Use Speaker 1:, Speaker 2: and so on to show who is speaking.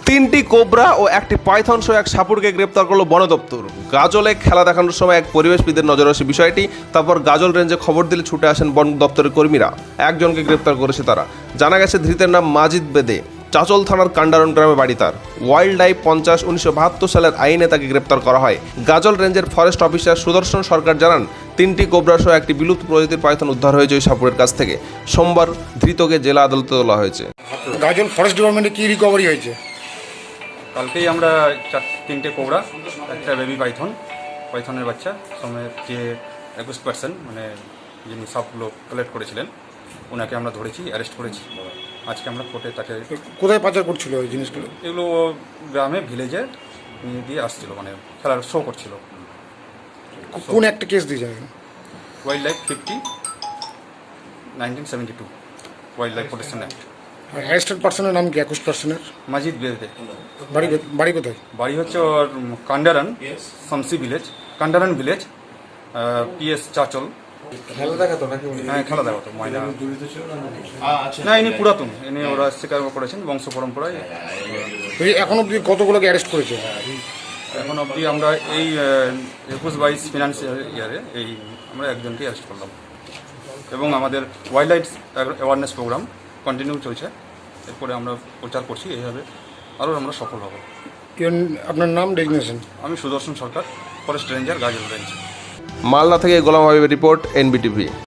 Speaker 1: তিনটি কোবরা ও একটি পাইথন সহ এক সাপুড়কে গ্রেপ্তার করলো বন দপ্তর। গাজলে খেলা দেখানোর সময় এক পরিবেশবিদের নজরে আসে বিষয়টি। তারপর গাজল রেঞ্জে খবর দিলে ছুটে আসেন বন দপ্তরের কর্মীরা। একজনকে গ্রেপ্তার করেছে তারা। জানা গেছে ধৃতের নাম মাজিদ বেদে। চাচল থানার কান্ডারন গ্রামে বাড়ি তার। ওয়াইল্ড লাইফ 50/1972 সালের আইনে তাকে গ্রেপ্তার করা হয়। গাজল রেঞ্জের ফরেস্ট অফিসার সুদর্শন সরকার জানান, তিনটি কোবরা সহ একটি বিলুপ্ত প্রজাতির পাইথন উদ্ধার হয়েছে ওই সাপুড়ের কাছ থেকে। সোমবার ধৃতকে জেলা আদালতে তোলা হয়েছে।
Speaker 2: গাজল ফরেস্ট ডিপার্টমেন্টে কি রিকভারি হয়েছে?
Speaker 3: কালকেই আমরা তিনটে কোবরা, একটা বেবি পাইথনের বাচ্চা সমেত যে 21% মানে যিনি সবগুলো কালেক্ট করেছিলেন ওনাকে আমরা ধরেছি, অ্যারেস্ট করেছি। আজকে আমরা কোর্টে তাকে
Speaker 2: কোথায় পাচার করছিল ওই জিনিসগুলো?
Speaker 3: এগুলো গ্রামে ভিলেজে নিয়ে দিয়ে আসছিল, মানে খেলার শো করছিল।
Speaker 2: কোন একটা কেস দিয়ে যাবেন?
Speaker 3: Wildlife 50/1972 wildlife protection act.
Speaker 2: Arrested পার্সনের নাম কি? 21%-এর
Speaker 3: মাজিদ বেদে।
Speaker 2: বাড়ি কোথায়?
Speaker 3: বাড়ি হচ্ছে ওর Kandaran Shamsi village, Kandaran village, PS Chanchal.
Speaker 4: খেলা দেখাতো নাকি?
Speaker 3: হ্যাঁ, খেলা দেখাতো। ময়না না, ইনি পুরাতন, ইনি ওরা স্বীকার করেছেন বংশ পরম্পরায়।
Speaker 2: এখন অব্দি কতগুলোকে অ্যারেস্ট করেছে?
Speaker 3: এখন অবধি আমরা এই 21-22 ফিনান্সিয়াল ইয়ারে আমরা একজনকে অ্যারেস্ট করলাম এবং আমাদের wildlife awareness program continue চলছে। এরপরে আমরা প্রচার করছি, এইভাবে আরও আমরা সফল হব।
Speaker 2: আপনার নাম, ডেজিগনেশন?
Speaker 3: আমি Sudarshan Sarkar, forest ranger, Gajol range.
Speaker 1: Malda থেকে গোলাম হাবিবের রিপোর্ট, NBTV।